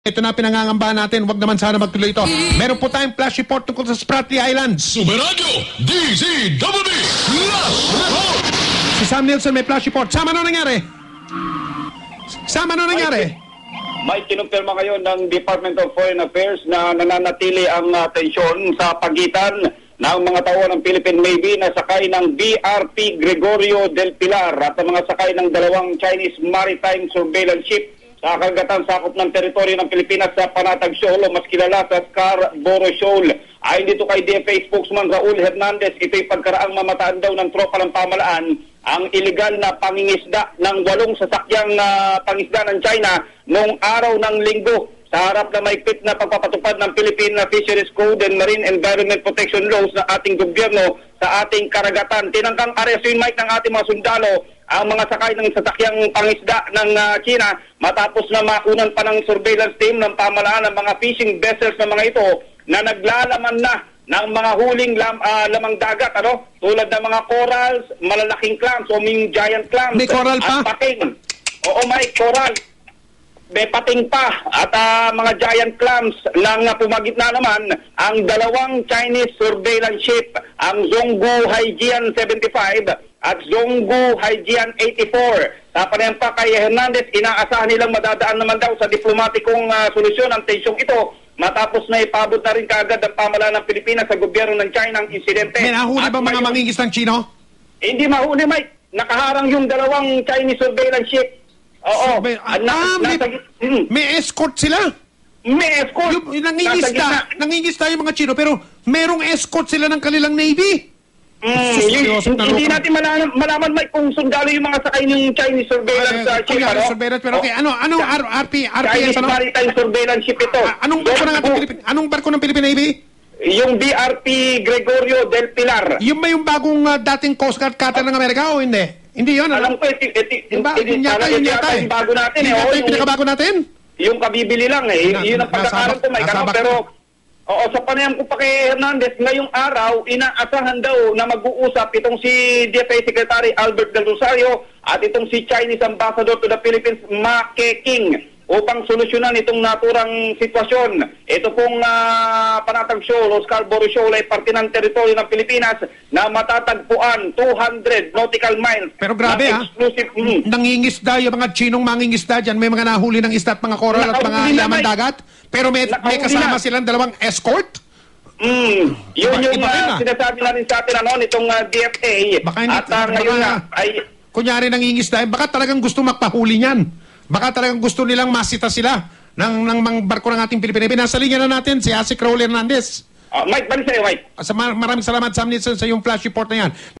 Ito na pinangangambahan natin, wag naman sana magtuloy ito. Meron po tayong flash report tungkol sa Spratly Islands. Superradyo DZWB Flash Report. Si Sam Nielsen may flash report. Sam, ano nangyari? Sam, ano nangyari? May kinumpirma ngayon ng Department of Foreign Affairs na nananatili ang tensyon sa pagitan ng mga tao ng Philippine Navy na sakay ng BRP Gregorio del Pilar at ang mga sakay ng dalawang Chinese Maritime Surveillance Ship sa karagatan sakop ng teritoryo ng Pilipinas sa Panatag Shoal o mas kilala sa Scarborough Shoal. Ayon dito kay DFA spokesman Raul Hernandez, ito'y pagkaraang mamataan daw ng tropa ng pamalaan ang iligal na pangingisda ng 8 sasakyang pangisda ng China noong araw ng Linggo sa harap na maigpit na pagpapatupad ng Philippine Fisheries Code and Marine Environment Protection Laws ng ating gobyerno sa ating karagatan. Tinangkang arestuin, Mike, ng ating mga sundalo ang mga sakay ng sasakyang pangisda ng China matapos na makunan pa ng surveillance team ng pamalaan ng mga fishing vessels ng mga ito na naglalaman na ng mga huling lamang dagat, tulad ng mga corals, malalaking clams o giant clams. May coral pa? At pating. Oo, may coral. May pating pa at mga giant clams lang pumagit na naman ang dalawang Chinese surveillance ship, ang Zhonggu Haijian 75 at Zhonggu Haijian 84. Sa panayam pa kay Hernandez, inaasahan nilang madadaan naman daw sa diplomatikong solusyon ang tensyong ito matapos na ipabot na rin kaagad ang pamalaan ng Pilipinas sa gobyerno ng China ang insidente. May nahuli ba mga mangingis ng Chino? Hindi mahuli, Mike. Nakaharang yung dalawang Chinese surveillance ship. Oo. May escort sila? May escort. Yung nangingisda yung mga Chino, pero merong escort sila ng kanilang Navy? Hindi natin malaman Mike kung sundalo yung mga sakay ng Chinese surveillance ship. Pero okay, anong RPS? Chinese Maritime Surveillance Ship ito. Anong barko ng Philippine Navy? Yung BRP Gregorio del Pilar. Yung ba yung bagong dating Coast Guard cutter ng Amerika o hindi? Hindi yun, alam ko, yun yata yung bago natin. Yun yata yung pinakabago natin? Yung kabibili lang yun ang pagkakaroon ko, Mike. Pero, sa panayam ko pa kay Hernandez, ngayong araw, inaasahan daw na mag-uusap itong si DFA Secretary Albert Del Rosario at itong si Chinese Ambassador to the Philippines, Ma Keqing, upang solusyonan itong naturang sitwasyon. Ito pong Panatag Shoal o Scarborough Shoal ay parte ng teritoryo ng Pilipinas na matatagpuan 200 nautical miles. Pero grabe nangingisda yung mga Chinong mangingisda dyan. May mga nahuli ng isda at mga coral at mga laman dagat. Pero may kasama silang dalawang escort? Yun yung sinasabi na rin sa atin nitong DFA. At ngayon ay... Kunyari nangingisda, baka talagang gusto magpahuli niyan. Baka talagang gusto nilang masita sila ng barko ng ating Pilipinas. Nasa linya na natin si Asik Raul Hernandez. Mike, balik sa'yo, Mike. Maraming salamat, Sam Nielsen, sa yung flash report na yan.